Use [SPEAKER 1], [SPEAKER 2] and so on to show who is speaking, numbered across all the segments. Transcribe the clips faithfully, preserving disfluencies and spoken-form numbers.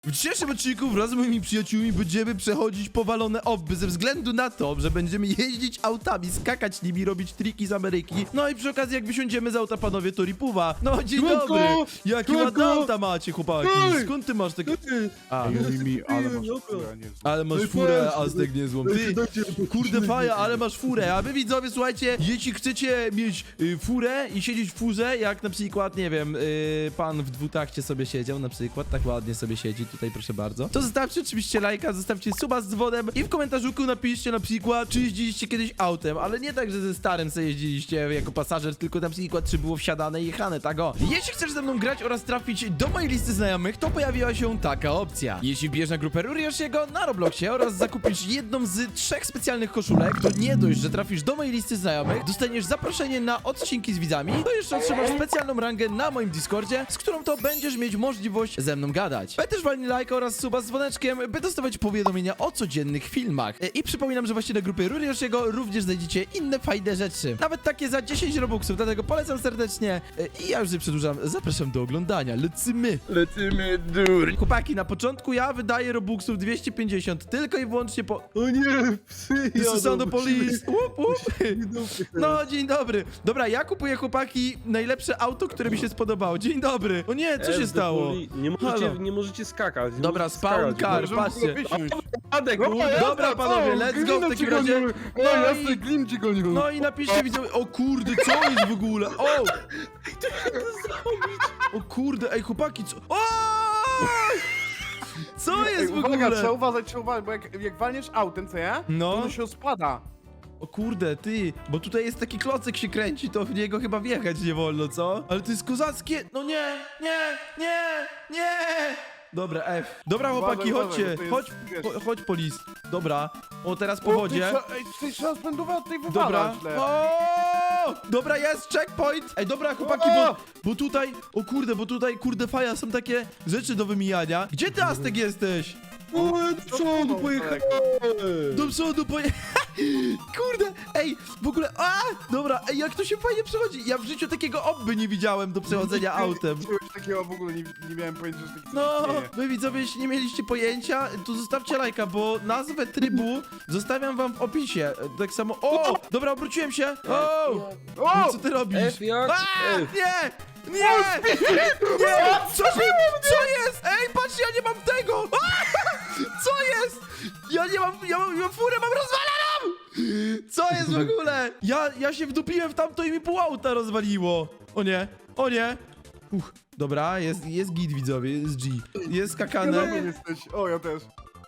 [SPEAKER 1] W dzisiejszym odcinku wraz z moimi przyjaciółmi będziemy przechodzić powalone obby ze względu na to, że będziemy jeździć autami, skakać nimi, robić triki z Ameryki. No i przy okazji jak wysiądziemy z auta, panowie, to ripuwa. No dzień
[SPEAKER 2] Słonko!
[SPEAKER 1] dobry! Jakie
[SPEAKER 2] Słonko!
[SPEAKER 1] ładne auta macie, chłopaki.
[SPEAKER 2] Ej!
[SPEAKER 1] Skąd ty masz takie... A,
[SPEAKER 2] Ej,
[SPEAKER 3] Mi, ale masz
[SPEAKER 2] Dobra.
[SPEAKER 3] furę, a nie znam.
[SPEAKER 1] ale masz
[SPEAKER 2] Ej,
[SPEAKER 1] furę,
[SPEAKER 2] patrz,
[SPEAKER 1] Aztek niezłą.
[SPEAKER 2] dajcie,
[SPEAKER 1] Ty,
[SPEAKER 2] dajcie,
[SPEAKER 1] kurde faja, ale masz furę. A wy widzowie, słuchajcie, jeśli chcecie mieć y, furę i siedzieć w furze, jak na przykład, nie wiem, y, pan w dwutakcie sobie siedział na przykład, tak ładnie sobie siedzi, tutaj proszę bardzo, to zostawcie oczywiście lajka, zostawcie suba z dzwonem i w komentarzuku napiszcie na przykład, czy jeździliście kiedyś autem, ale nie tak, że ze starym sobie jeździliście jako pasażer, tylko na przykład, czy było wsiadane i jechane, tak o. Jeśli chcesz ze mną grać oraz trafić do mojej listy znajomych, to pojawiła się taka opcja. Jeśli wbierzesz na grupę Rurioshiego na Robloxie oraz zakupisz jedną z trzech specjalnych koszulek, to nie dość, że trafisz do mojej listy znajomych, dostaniesz zaproszenie na odcinki z widzami, to jeszcze otrzymasz specjalną rangę na moim Discordzie, z którą to będziesz mieć możliwość ze mną gadać. Będziesz walnij lajka oraz suba z dzwoneczkiem, by dostawać powiadomienia o codziennych filmach. E, I przypominam, że właśnie na grupie Rurioshiego również znajdziecie inne fajne rzeczy. Nawet takie za dziesięć robuxów, dlatego polecam serdecznie. E, I ja już nie przedłużam, zapraszam do oglądania. Lecimy!
[SPEAKER 2] Lecimy, dur.
[SPEAKER 1] Chłopaki, na początku ja wydaję robuxów dwieście pięćdziesiąt, tylko i wyłącznie po...
[SPEAKER 2] O nie, psy
[SPEAKER 1] This is
[SPEAKER 2] jadą,
[SPEAKER 1] the police! Łup, łup.
[SPEAKER 2] musimy-
[SPEAKER 1] No, dzień dobry. Dobra, ja kupuję, chłopaki, najlepsze auto, które mi się spodobało. Dzień dobry. O nie, co się
[SPEAKER 2] F,
[SPEAKER 1] stało?
[SPEAKER 2] poli- Nie możecie,
[SPEAKER 1] Halo.
[SPEAKER 2] nie możecie skakać. Nie
[SPEAKER 1] Dobra,
[SPEAKER 2] możecie
[SPEAKER 1] spawn
[SPEAKER 2] skakać.
[SPEAKER 1] car,
[SPEAKER 2] Możemy-
[SPEAKER 1] patrzcie.
[SPEAKER 2] Adek,
[SPEAKER 3] No,
[SPEAKER 2] kurde.
[SPEAKER 1] Dobra, panowie, let's go w takim razie.
[SPEAKER 3] No
[SPEAKER 1] No
[SPEAKER 3] jasne,
[SPEAKER 1] i,
[SPEAKER 3] Glim ci gonił.
[SPEAKER 1] no i napiszcie widzowie, o kurde, co jest w ogóle? O! O kurde, ej chłopaki, co? O! Co
[SPEAKER 3] Ej,
[SPEAKER 1] jest w
[SPEAKER 3] uwaga, trzeba
[SPEAKER 1] ogóle?
[SPEAKER 3] uważać, trzeba uważać, bo jak, jak walniesz autem, co ja?
[SPEAKER 1] No.
[SPEAKER 3] To ono się spada.
[SPEAKER 1] O kurde, ty, bo tutaj jest taki klocek się kręci, to w niego chyba wjechać nie wolno, co? Ale to jest kozackie, no nie, nie, nie, nie! Dobra, F. Dobra, chłopaki,
[SPEAKER 3] Uważaj,
[SPEAKER 1] chodźcie,
[SPEAKER 3] uważaj, bo
[SPEAKER 1] chodź,
[SPEAKER 3] to jest,
[SPEAKER 1] po, chodź polis. Dobra, o teraz po
[SPEAKER 3] O,
[SPEAKER 1] wodzie.
[SPEAKER 3] Ty, trzeba- ej, ty trzeba spędować od tej
[SPEAKER 1] Dobra.
[SPEAKER 3] wywala źle.
[SPEAKER 1] O! Dobra, jest checkpoint! Ej, dobra, chłopaki, bo, bo tutaj, o kurde, bo tutaj, kurde, faja, są takie rzeczy do wymijania. Gdzie ty, Aztek, jesteś?
[SPEAKER 2] O, do przodu pojechałem.
[SPEAKER 1] Do przodu poje... Kurde, ej, w ogóle, a! Dobra, ej, jak to się fajnie przechodzi. Ja w życiu takiego obby nie widziałem do przechodzenia autem.
[SPEAKER 3] Czegoś takiego w ogóle nie, nie miałem pojęcia, że taki
[SPEAKER 1] No,
[SPEAKER 3] istnieje.
[SPEAKER 1] wy widzowie, jeśli nie mieliście pojęcia, to zostawcie lajka, bo nazwę trybu zostawiam wam w opisie. Tak samo, o! Dobra, obróciłem się. O!
[SPEAKER 3] O!
[SPEAKER 1] Co ty robisz?
[SPEAKER 2] F jak?
[SPEAKER 1] A!
[SPEAKER 2] F.
[SPEAKER 1] Nie! Nie! Nie! Co się... Co jest? Ej, patrz, ja nie mam tego! A! Co jest? Ja nie mam... Ja mam, ja mam furę, mam rozwaloną! Co jest w ogóle? Ja, ja się wdupiłem w tamto i mi pół auta rozwaliło. O nie, o nie. Uch, dobra, jest, jest git, widzowie, jest G. Jest skakane.
[SPEAKER 3] Dobry jesteś. O, ja też.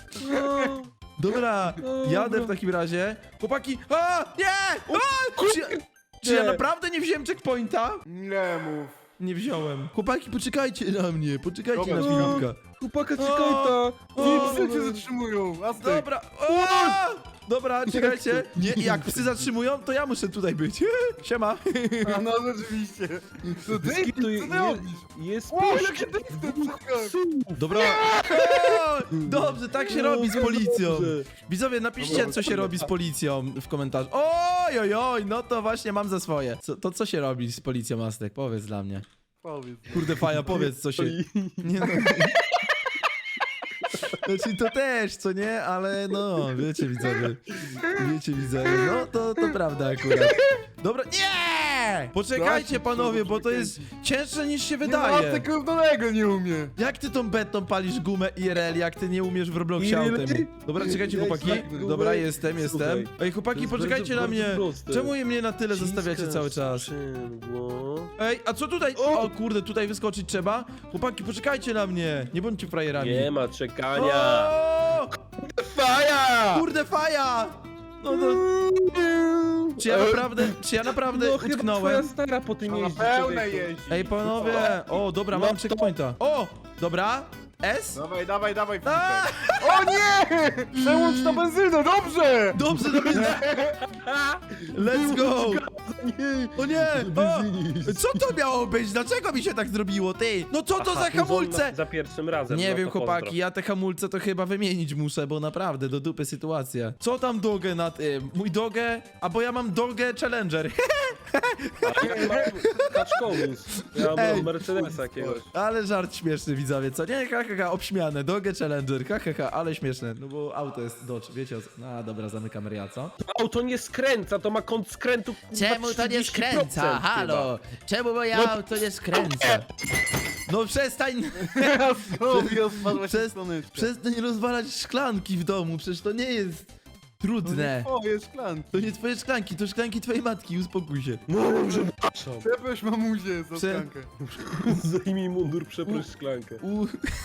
[SPEAKER 2] No.
[SPEAKER 1] Dobra, jadę w takim razie. Chłopaki, a! Nie! A! Czy, ja- czy ja
[SPEAKER 2] Nie.
[SPEAKER 1] naprawdę nie wziąłem checkpointa?
[SPEAKER 3] Nie mów.
[SPEAKER 1] Nie wziąłem. Chłopaki, poczekajcie na mnie, poczekajcie
[SPEAKER 3] Dobra,
[SPEAKER 1] na
[SPEAKER 2] no.
[SPEAKER 1] chwilkę.
[SPEAKER 2] Chłopaka, czekaj
[SPEAKER 1] O.
[SPEAKER 2] ta.
[SPEAKER 3] Nie,
[SPEAKER 1] O,
[SPEAKER 3] psy cię zatrzymują. Aztek.
[SPEAKER 1] dobra. O! Dobra, czekajcie. Nie, jak psy zatrzymują, to ja muszę tutaj być. Siema.
[SPEAKER 3] A no rzeczywiście. Co ty?
[SPEAKER 2] Skitu,
[SPEAKER 3] Co
[SPEAKER 2] je-
[SPEAKER 3] ty robisz?
[SPEAKER 2] Jest
[SPEAKER 3] O,
[SPEAKER 2] pięć
[SPEAKER 3] jakie ty w tym
[SPEAKER 1] Dobra. O, dobrze, tak się robi z
[SPEAKER 2] No,
[SPEAKER 1] policją.
[SPEAKER 2] dobrze.
[SPEAKER 1] Widzowie, napiszcie, co się robi z policją w komentarzu. Oj, oj, oj, no to właśnie mam za swoje. Co, to co się robi z policją, Aztek? Powiedz dla mnie.
[SPEAKER 3] Powiedz.
[SPEAKER 1] Kurde, faja, powiedz, co się... Nie no... Znaczy to też, co nie? Ale no, wiecie widzowie. Wiecie widzowie, no to, to prawda akurat. Dobra, nie! Poczekajcie panowie, bo to jest cięższe niż się
[SPEAKER 3] Nie, no,
[SPEAKER 1] wydaje.
[SPEAKER 3] Aztek równoległego nie umie.
[SPEAKER 1] Jak ty tą betą palisz gumę I R L, jak ty nie umiesz w Robloxie
[SPEAKER 2] I R L?
[SPEAKER 1] autem? Dobra, czekajcie
[SPEAKER 2] Jak
[SPEAKER 1] chłopaki.
[SPEAKER 2] tak gumę?
[SPEAKER 1] Dobra, jestem, jestem.
[SPEAKER 2] Słuchaj,
[SPEAKER 1] Ej
[SPEAKER 2] to
[SPEAKER 1] chłopaki,
[SPEAKER 2] jest
[SPEAKER 1] poczekajcie
[SPEAKER 2] bardzo,
[SPEAKER 1] na mnie.
[SPEAKER 2] bardzo proste.
[SPEAKER 1] Czemu mnie na tyle zostawiacie
[SPEAKER 2] Ciskasz
[SPEAKER 1] cały czas?
[SPEAKER 2] sprzęgło.
[SPEAKER 1] Ej, a co tutaj?
[SPEAKER 2] O!
[SPEAKER 1] O kurde, tutaj wyskoczyć trzeba? Chłopaki, poczekajcie na mnie. Nie bądźcie frajerami.
[SPEAKER 2] Nie ma czekania.
[SPEAKER 1] O!
[SPEAKER 2] Faja!
[SPEAKER 1] Kurde, faja! No, no. Czy ja naprawdę, czy ja naprawdę
[SPEAKER 2] No chyba
[SPEAKER 1] utknąłem?
[SPEAKER 2] twoja stara po tym
[SPEAKER 3] No na
[SPEAKER 2] jeździ,
[SPEAKER 3] pełne
[SPEAKER 2] człowieku.
[SPEAKER 3] jeździ.
[SPEAKER 1] Ej, panowie! O, dobra,
[SPEAKER 2] No
[SPEAKER 1] mam
[SPEAKER 2] to-
[SPEAKER 1] checkpointa. O, dobra. S?
[SPEAKER 3] Dawaj, dawaj, dawaj,
[SPEAKER 1] A!
[SPEAKER 3] Filipek. O nie! Przełącz na benzynę, dobrze!
[SPEAKER 1] Dobrze, dobrze. Let's go!
[SPEAKER 2] Nie.
[SPEAKER 1] O nie! O!
[SPEAKER 2] Biznis.
[SPEAKER 1] Co to miało być? Dlaczego mi się tak zrobiło, ty? No co to
[SPEAKER 2] Aha,
[SPEAKER 1] za
[SPEAKER 2] tu zon
[SPEAKER 1] hamulce?
[SPEAKER 2] na- Za pierwszym razem.
[SPEAKER 1] Nie
[SPEAKER 2] no
[SPEAKER 1] wiem,
[SPEAKER 2] to
[SPEAKER 1] chłopaki,
[SPEAKER 2] pozdro.
[SPEAKER 1] ja te hamulce to chyba wymienić muszę, bo naprawdę do dupy sytuacja. Co tam dogę na tym? Mój dogę? A bo ja mam dogę Challenger.
[SPEAKER 2] A ja mam kaczkowóz. Ja
[SPEAKER 1] Ej.
[SPEAKER 2] mam Mercedesa jakiegoś.
[SPEAKER 1] Ale żart śmieszny, widzowie, co? Nie, ha, ha, ha, obśmiane, dogę Challenger, ha, ha, ha, ale śmieszne, no bo auto jest Dodge, wiecie o co? No dobra, zamykam ryja, co?
[SPEAKER 2] Auto nie skręca, to ma kąt skrętu. kurwa,
[SPEAKER 1] Czemu to nie
[SPEAKER 2] trzydzieści
[SPEAKER 1] skręca?
[SPEAKER 2] procent
[SPEAKER 1] Halo! Czemu moje
[SPEAKER 2] No-
[SPEAKER 1] auto nie skręca? No przestań,
[SPEAKER 3] Ja sobie rozpadła się
[SPEAKER 1] Przez-
[SPEAKER 3] słoneczko.
[SPEAKER 1] przestań rozwalać szklanki w domu, przecież to nie jest trudne.
[SPEAKER 3] O, jest szklanki.
[SPEAKER 1] To nie twoje szklanki, to szklanki twojej matki, uspokój się.
[SPEAKER 2] No, przepraszam.
[SPEAKER 3] Przeproś mamusię za
[SPEAKER 1] Prze-
[SPEAKER 3] szklankę.
[SPEAKER 2] Zdejmij mundur, przeproś szklankę.
[SPEAKER 1] U...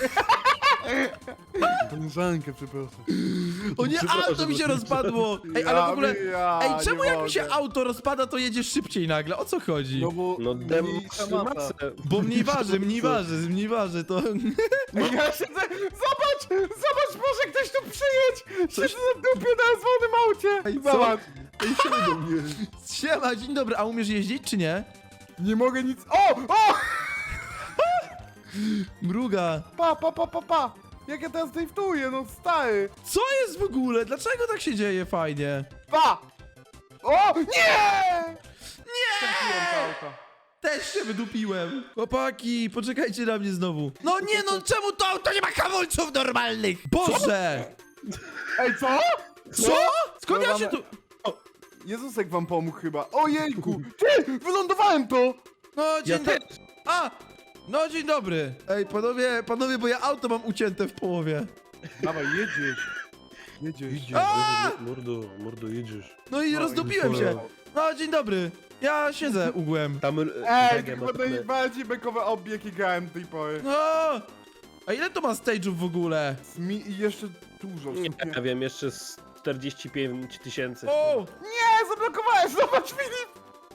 [SPEAKER 3] Koleżankę, przepraszam.
[SPEAKER 1] O nie,
[SPEAKER 2] Przepraszam,
[SPEAKER 1] auto mi się
[SPEAKER 2] że-
[SPEAKER 1] rozpadło! Ej, ale w ogóle...
[SPEAKER 3] Ja
[SPEAKER 1] Ej, czemu
[SPEAKER 3] nie
[SPEAKER 1] jak mi się
[SPEAKER 3] mogę.
[SPEAKER 1] auto rozpada, to jedziesz szybciej nagle? O co chodzi?
[SPEAKER 3] No bo
[SPEAKER 2] No dem
[SPEAKER 3] mniejsza
[SPEAKER 2] trzy
[SPEAKER 3] masa.
[SPEAKER 2] masę.
[SPEAKER 1] Bo mniej waży, mniej waży, mniej waży, to...
[SPEAKER 3] Ja siedzę, zobacz, zobacz, może ktoś tu przyjedź! Siedzę na dupie na złonym aucie!
[SPEAKER 1] Ej, co?
[SPEAKER 3] Zobacz,
[SPEAKER 1] Ej, siema do mnie. Siema, dzień dobry, a umiesz jeździć, czy nie?
[SPEAKER 3] nie mogę nic... O, o!
[SPEAKER 1] Mruga.
[SPEAKER 3] Pa, pa, pa, pa, pa! Jak ja teraz driftuję, no stary!
[SPEAKER 1] Co jest w ogóle? Dlaczego tak się dzieje fajnie?
[SPEAKER 3] Pa! O, nie!
[SPEAKER 1] Nie!
[SPEAKER 3] Trafiłem to auto.
[SPEAKER 1] Też się wydupiłem. Chłopaki, poczekajcie na mnie znowu. No nie no, czemu to auto nie ma hamulców normalnych? Boże!
[SPEAKER 3] Ej, co?
[SPEAKER 1] Co? Skąd ja się tu...
[SPEAKER 3] Jezusek wam pomógł chyba. Ojejku! Ty! Wylądowałem to!
[SPEAKER 1] No,
[SPEAKER 2] Ja
[SPEAKER 1] dzień dobry.
[SPEAKER 2] też.
[SPEAKER 1] A! No, dzień dobry. Ej, panowie, panowie, bo ja auto mam ucięte w połowie.
[SPEAKER 3] Dawaj, jedziesz. Jedziesz.
[SPEAKER 1] A!
[SPEAKER 2] Mordo, mordo, jedziesz.
[SPEAKER 1] No i
[SPEAKER 3] No i
[SPEAKER 1] rozdupiłem się.
[SPEAKER 3] cholera.
[SPEAKER 1] No, dzień dobry. Ja siedzę ugłem.
[SPEAKER 2] Tam e,
[SPEAKER 3] Ej,
[SPEAKER 2] Wege
[SPEAKER 3] to
[SPEAKER 2] ma
[SPEAKER 3] chyba
[SPEAKER 2] takie-
[SPEAKER 3] najbardziej bekowy obieg, jaki grałem do tej pory.
[SPEAKER 1] No! A ile to ma stage'ów w ogóle?
[SPEAKER 3] Smi i jeszcze dużo. w
[SPEAKER 2] Nie,
[SPEAKER 3] sumie.
[SPEAKER 2] ja wiem, jeszcze z czterdzieści pięć tysięcy.
[SPEAKER 1] O!
[SPEAKER 3] Nie, zablokowałeś! Zobacz, Filip!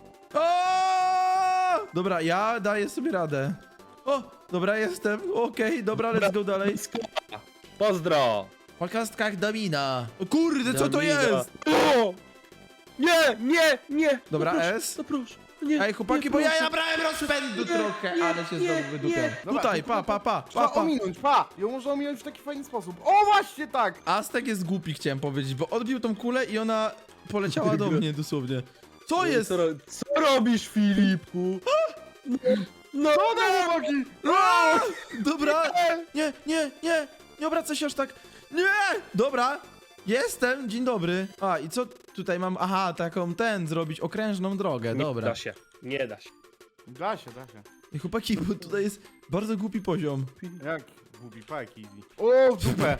[SPEAKER 1] O! Dobra, ja daję sobie radę. O! Dobra, jestem. Okej, dobra, let's go dalej.
[SPEAKER 2] Pozdro!
[SPEAKER 1] Po kostkach domina. O kurde, co to
[SPEAKER 2] Domina.
[SPEAKER 1] jest?
[SPEAKER 2] O! Nie, nie, nie!
[SPEAKER 1] Dobra,
[SPEAKER 2] no proszę,
[SPEAKER 1] S.
[SPEAKER 2] No proszę. Nie,
[SPEAKER 1] Ej, chłopaki,
[SPEAKER 2] nie,
[SPEAKER 1] bo ja
[SPEAKER 2] proszę.
[SPEAKER 1] nabrałem rozpędu trochę, ale się
[SPEAKER 2] nie,
[SPEAKER 1] znowu wydupiam.
[SPEAKER 2] nie.
[SPEAKER 3] Dobra,
[SPEAKER 1] Tutaj,
[SPEAKER 3] to-
[SPEAKER 1] pa, pa, pa, pa,
[SPEAKER 3] Trzeba
[SPEAKER 1] pa.
[SPEAKER 3] ominąć, pa! Ją można ominąć w taki fajny sposób. O, właśnie tak!
[SPEAKER 1] Aztek jest głupi, chciałem powiedzieć, bo odbił tą kulę i ona poleciała do mnie dosłownie. Co jest?
[SPEAKER 2] Co, ro- co robisz, Filipku? No,
[SPEAKER 3] O, no, chłopaki!
[SPEAKER 1] A! Dobra, nie, nie, nie, nie obracaj się aż tak. Nie! Dobra, jestem, dzień dobry. A, i co tutaj mam? Aha, taką ten zrobić, okrężną drogę,
[SPEAKER 2] nie
[SPEAKER 1] dobra.
[SPEAKER 2] da się, nie da się.
[SPEAKER 3] Da się, da się.
[SPEAKER 1] I chłopaki, bo tutaj jest bardzo głupi poziom.
[SPEAKER 3] Jak? Bubi, pajki. O, w dupę!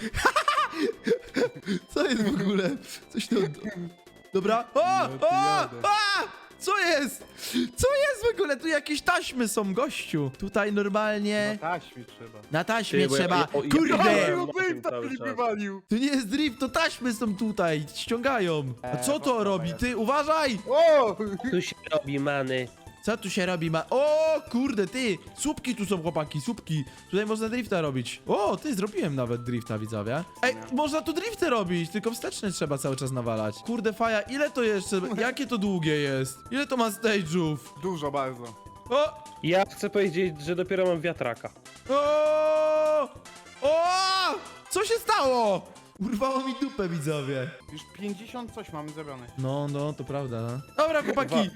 [SPEAKER 1] Co jest w ogóle? Coś to... Dobra. O!
[SPEAKER 3] No,
[SPEAKER 1] O!
[SPEAKER 3] jadę.
[SPEAKER 1] A! Co jest? Co jest w ogóle? Tu jakieś taśmy są, gościu. Tutaj normalnie...
[SPEAKER 3] Na taśmie trzeba.
[SPEAKER 1] Na taśmie
[SPEAKER 2] Ty, bo ja-
[SPEAKER 1] trzeba.
[SPEAKER 2] ja- o, ja-
[SPEAKER 1] Kurde!
[SPEAKER 2] ja-
[SPEAKER 3] No,
[SPEAKER 2] na
[SPEAKER 3] Dave
[SPEAKER 2] tym
[SPEAKER 3] ta
[SPEAKER 2] cały
[SPEAKER 3] Filip
[SPEAKER 2] czas.
[SPEAKER 3] wywalił!
[SPEAKER 1] To nie jest drift, to taśmy są tutaj. Ściągają. A
[SPEAKER 3] Eee,
[SPEAKER 1] co to
[SPEAKER 3] dobra,
[SPEAKER 1] robi?
[SPEAKER 3] jest.
[SPEAKER 1] Ty, uważaj!
[SPEAKER 3] O!
[SPEAKER 2] Tu się robi many.
[SPEAKER 1] Co tu się robi? Ma... O, kurde, ty! Słupki tu są, chłopaki, słupki. Tutaj można drifta robić. O, ty, zrobiłem nawet drifta, widzowie. Ej, można tu drifty robić, tylko wsteczny trzeba cały czas nawalać. Kurde, faja, ile to jeszcze? Jakie to długie jest? Ile to ma stage'ów?
[SPEAKER 3] Dużo bardzo.
[SPEAKER 1] O!
[SPEAKER 2] Ja chcę powiedzieć, że dopiero mam wiatraka.
[SPEAKER 1] O! O! Co się stało? Urwało mi dupę, widzowie.
[SPEAKER 3] Już pięćdziesiąt coś mamy zrobione.
[SPEAKER 1] No, no, to prawda. No. Dobra, chłopaki.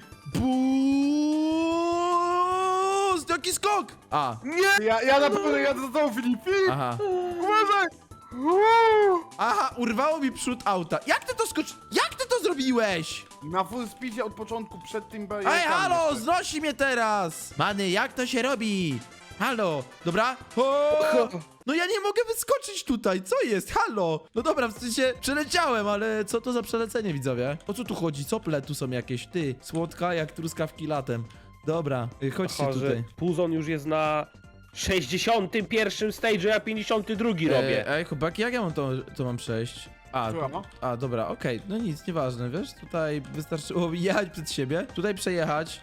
[SPEAKER 1] Boost! Jaki skok! A,
[SPEAKER 3] Nie! Ja, ja naprawdę jadę za tobą, Filip! Filip!
[SPEAKER 1] aha.
[SPEAKER 3] Uważaj! Uuu!
[SPEAKER 1] Aha, urwało mi przód auta. Jak ty to skocz... Jak ty to zrobiłeś?
[SPEAKER 3] Na full speedzie od początku, przed tym
[SPEAKER 1] Ej,
[SPEAKER 3] barierkami
[SPEAKER 1] halo,
[SPEAKER 3] jeszcze.
[SPEAKER 1] znosi mnie teraz! Many, jak to się robi? Halo, dobra? O! No ja nie mogę wyskoczyć tutaj, co jest? Halo! No dobra, w sensie przeleciałem, ale co to za przelecenie, widzowie? O co tu chodzi? Cople tu są jakieś, ty? Słodka jak truskawki latem. Dobra, y, chodźcie
[SPEAKER 2] Aha, że
[SPEAKER 1] tutaj.
[SPEAKER 2] Puzon już jest na sześćdziesiątym pierwszym stage'u, ja pięćdziesiąty drugi robię.
[SPEAKER 1] E, ej, chłopaki, jak ja mam to, to mam przejść? A,
[SPEAKER 3] Słucham,
[SPEAKER 1] to,
[SPEAKER 3] no.
[SPEAKER 1] a dobra, okej, no nic, nieważne, wiesz? Tutaj wystarczyło jechać przed siebie, tutaj przejechać.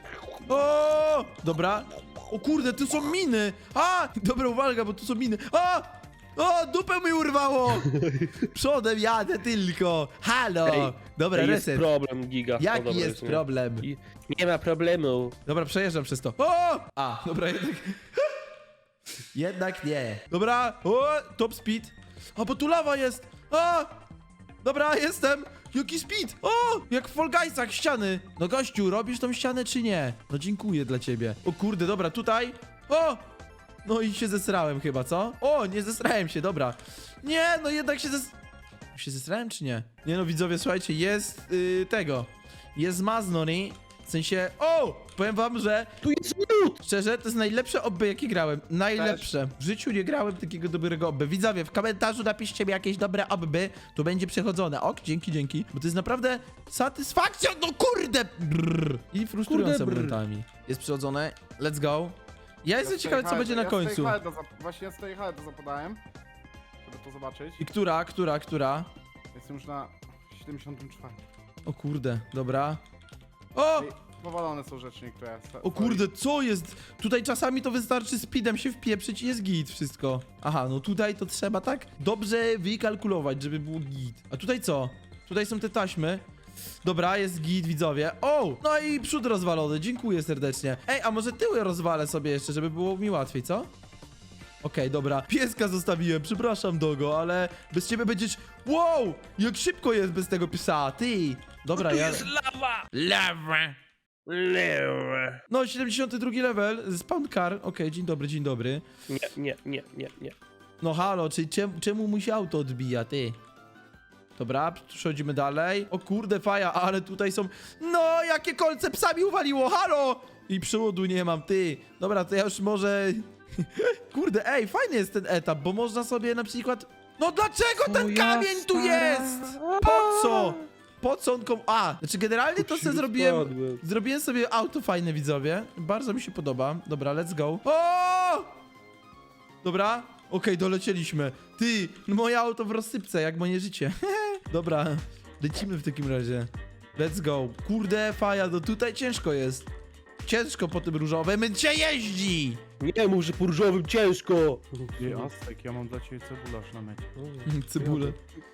[SPEAKER 1] O! Dobra. O kurde, tu są miny! A! Dobra, uwaga, bo tu są miny. A! O, dupę mi urwało! Przodem jadę tylko. Halo!
[SPEAKER 2] Ej,
[SPEAKER 1] Dobra,
[SPEAKER 2] jest
[SPEAKER 1] reset.
[SPEAKER 2] problem, giga. O,
[SPEAKER 1] Jaki
[SPEAKER 2] dobra,
[SPEAKER 1] jest
[SPEAKER 2] nie.
[SPEAKER 1] problem?
[SPEAKER 2] I nie ma problemu.
[SPEAKER 1] Dobra, przejeżdżam przez to. O! A, dobra, jednak... jednak nie. Dobra, o, top speed. A, bo tu lawa jest. A! Dobra, jestem. Jaki speed? O! Jak w Fall Guysach, ściany. No gościu, robisz tą ścianę czy nie? No dziękuję dla ciebie. O kurde, dobra, tutaj. O! No i się zesrałem chyba, co? O, nie zesrałem się, dobra. Nie, no jednak się zes... Się zesrałem czy nie? Nie no, widzowie, słuchajcie, jest yy, tego. Jest Maznoni. W sensie, o! Powiem wam, że
[SPEAKER 2] Tu jest lód!
[SPEAKER 1] szczerze, to jest najlepsze obby, jakie grałem. Najlepsze. W życiu nie grałem takiego dobrego obby. Widzowie, w komentarzu napiszcie mi jakieś dobre obby, to będzie przechodzone. Ok, dzięki, dzięki. Bo to jest naprawdę satysfakcja, no kurde! Brrr. I frustrujące
[SPEAKER 2] Kurde, brrr.
[SPEAKER 1] momentami. Jest przechodzone, let's go. Ja jestem
[SPEAKER 3] Ja
[SPEAKER 1] ciekawy, co
[SPEAKER 3] stoi
[SPEAKER 1] będzie na
[SPEAKER 3] ja
[SPEAKER 1] końcu.
[SPEAKER 3] stoi halda zap- Właśnie ja stoi halda zapodałem, żeby to zobaczyć.
[SPEAKER 1] I która, która, która?
[SPEAKER 3] Jestem już na siedemdziesiątym czwartym.
[SPEAKER 1] O kurde, dobra. O!
[SPEAKER 3] Ej, powalone są rzeczy niektóre. sta-
[SPEAKER 1] O kurde, co jest? Tutaj czasami to wystarczy speedem się wpieprzyć i jest git wszystko. Aha, no tutaj to trzeba tak dobrze wykalkulować, żeby było git. A tutaj co? Tutaj są te taśmy. Dobra, jest git, widzowie. O! No i przód rozwalony, dziękuję serdecznie. Ej, a może tyły rozwalę sobie jeszcze, żeby było mi łatwiej, co? Okej, dobra. Pieska zostawiłem, przepraszam, Dogo, ale bez ciebie będziesz... Wow! Jak szybko jest bez tego psa, ty! Dobra,
[SPEAKER 2] Tu
[SPEAKER 1] ja...
[SPEAKER 2] jest lawa!
[SPEAKER 1] Lawa!
[SPEAKER 2] Lewe.
[SPEAKER 1] No, siedemdziesiąty drugi level, spawn car. Okej, dzień dobry, dzień dobry.
[SPEAKER 2] Nie, nie, nie, nie, nie.
[SPEAKER 1] No halo, czy czemu, czemu mu się auto odbija, ty? Dobra, przechodzimy dalej. O kurde, faja, ale tutaj są... No, jakie kolce psa mi uwaliło, halo! I przewodu nie mam, ty. Dobra, to ja już może... Kurde, ej, fajny jest ten etap, bo można sobie na przykład... No dlaczego ten kamień tu jest? Po co? Po co on kom... A, znaczy generalnie to sobie zrobiłem... Zrobiłem sobie auto fajne, widzowie. Bardzo mi się podoba. Dobra, let's go. O! Dobra, okej, dolecieliśmy. Ty, no moje auto w rozsypce, jak moje życie. Dobra, lecimy w takim razie. Let's go. Kurde, faja, no tutaj ciężko jest. Ciężko po tym różowym się jeździ.
[SPEAKER 2] Nie mów, że po różowym ciężko!
[SPEAKER 3] Ej, Aztek, ja mam dla ciebie cebularz na mecie.
[SPEAKER 1] Cebulę.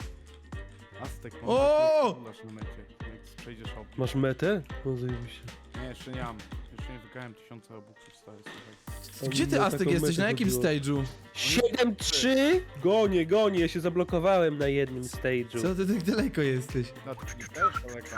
[SPEAKER 3] Aztek, mam
[SPEAKER 1] O!
[SPEAKER 3] dla ciebie cebularz na mecie. Jak przejdziesz obok.
[SPEAKER 2] Masz metę? No zajebiście.
[SPEAKER 3] Nie, jeszcze nie mam. Jeszcze nie wykałem tysiące obuksów, stary, słuchaj.
[SPEAKER 1] Gdzie ty,
[SPEAKER 2] No,
[SPEAKER 1] Aztek,
[SPEAKER 2] taką
[SPEAKER 1] jesteś?
[SPEAKER 2] metę
[SPEAKER 1] Na jakim
[SPEAKER 2] zrobiło.
[SPEAKER 1] stage'u?
[SPEAKER 2] siedem trzy? Gonię, gonię, ja się zablokowałem na jednym stage'u.
[SPEAKER 1] Co ty tak daleko jesteś?
[SPEAKER 3] No, ty też daleko.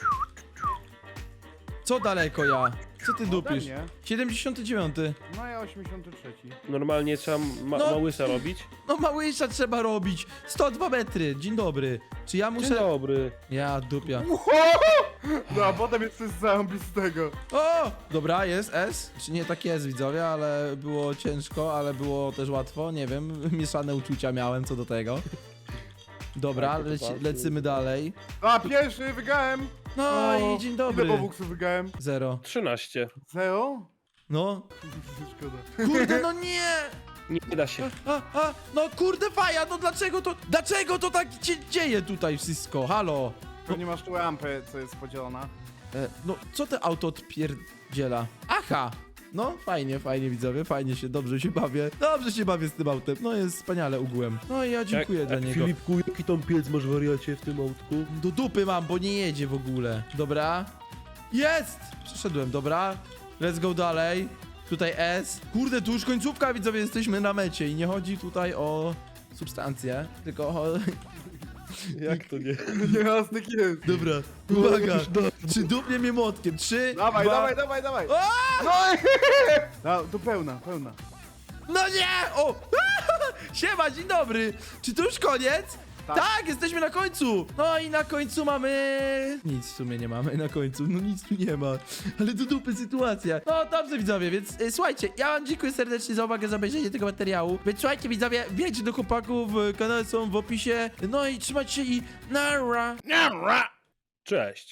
[SPEAKER 1] Co daleko ja? Co ty
[SPEAKER 3] Ode
[SPEAKER 1] dupisz?
[SPEAKER 3] mnie?
[SPEAKER 1] siedemdziesiąty dziewiąty.
[SPEAKER 3] No ja osiemdziesiąty trzeci.
[SPEAKER 2] Normalnie trzeba ma
[SPEAKER 1] No.
[SPEAKER 2] małysa robić.
[SPEAKER 1] No małysza trzeba robić. sto dwa metry. Dzień dobry. Czy ja
[SPEAKER 2] Dzień
[SPEAKER 1] muszę...
[SPEAKER 2] dobry.
[SPEAKER 1] Ja dupia.
[SPEAKER 3] No a potem jest coś zarąbistego.
[SPEAKER 1] O! Dobra, jest S. Czy nie tak jest, widzowie, ale było ciężko, ale było też łatwo. Nie wiem, mieszane uczucia miałem co do tego. Dobra,
[SPEAKER 2] Tak, to
[SPEAKER 1] leci,
[SPEAKER 2] bardzo.
[SPEAKER 1] lecymy dalej.
[SPEAKER 3] A, pierwszy wygrałem!
[SPEAKER 1] No
[SPEAKER 3] O,
[SPEAKER 1] i dzień
[SPEAKER 3] Ile
[SPEAKER 1] dobry.
[SPEAKER 3] obuksów wygrałem?
[SPEAKER 1] Zero.
[SPEAKER 2] trzynaście.
[SPEAKER 3] Zero?
[SPEAKER 1] No.
[SPEAKER 3] Szkoda.
[SPEAKER 1] Kurde, no nie!
[SPEAKER 2] Nie da się.
[SPEAKER 1] A, a, no kurde faja, no dlaczego to... Dlaczego to tak się dzieje tutaj wszystko? Halo?
[SPEAKER 3] Tu nie masz tu rampy, co jest podzielona.
[SPEAKER 1] E, no, co te auto odpierdziela? Aha! No, fajnie, fajnie widzowie, fajnie się, dobrze się bawię. Dobrze się bawię z tym autem, no jest wspaniale ugłem. No i ja dziękuję
[SPEAKER 2] jak,
[SPEAKER 1] dla
[SPEAKER 2] jak
[SPEAKER 1] niego.
[SPEAKER 2] Filipku, jaki tam piec masz wariacie w tym autku?
[SPEAKER 1] Do dupy mam, bo nie jedzie w ogóle. Dobra. Jest! Przeszedłem, dobra. Let's go dalej. Tutaj S. Kurde, tu już końcówka, widzowie, jesteśmy na mecie i nie chodzi tutaj o substancje, tylko o...
[SPEAKER 2] Jak to nie?
[SPEAKER 3] Nie, Aztek jest.
[SPEAKER 1] Dobra, uwaga. Czy dupnie mnie młotkiem? Trzy,
[SPEAKER 3] Dawaj,
[SPEAKER 1] dwa...
[SPEAKER 3] dawaj, dawaj, dawaj!
[SPEAKER 1] O!
[SPEAKER 3] No, no to pełna, pełna.
[SPEAKER 1] No nie! O! Siema, dzień dobry! Czy to już koniec? Tak.
[SPEAKER 3] Tak.
[SPEAKER 1] Jesteśmy na końcu! No i na końcu mamy... Nic w sumie nie mamy na końcu, no nic tu nie ma. Ale do dupy sytuacja. No dobrze widzowie, więc y, słuchajcie, ja wam dziękuję serdecznie za uwagę, za obejrzenie tego materiału. Więc słuchajcie widzowie, wbijajcie do chłopaków, y, kanały są w opisie. No i trzymajcie się i nara!
[SPEAKER 2] Cześć.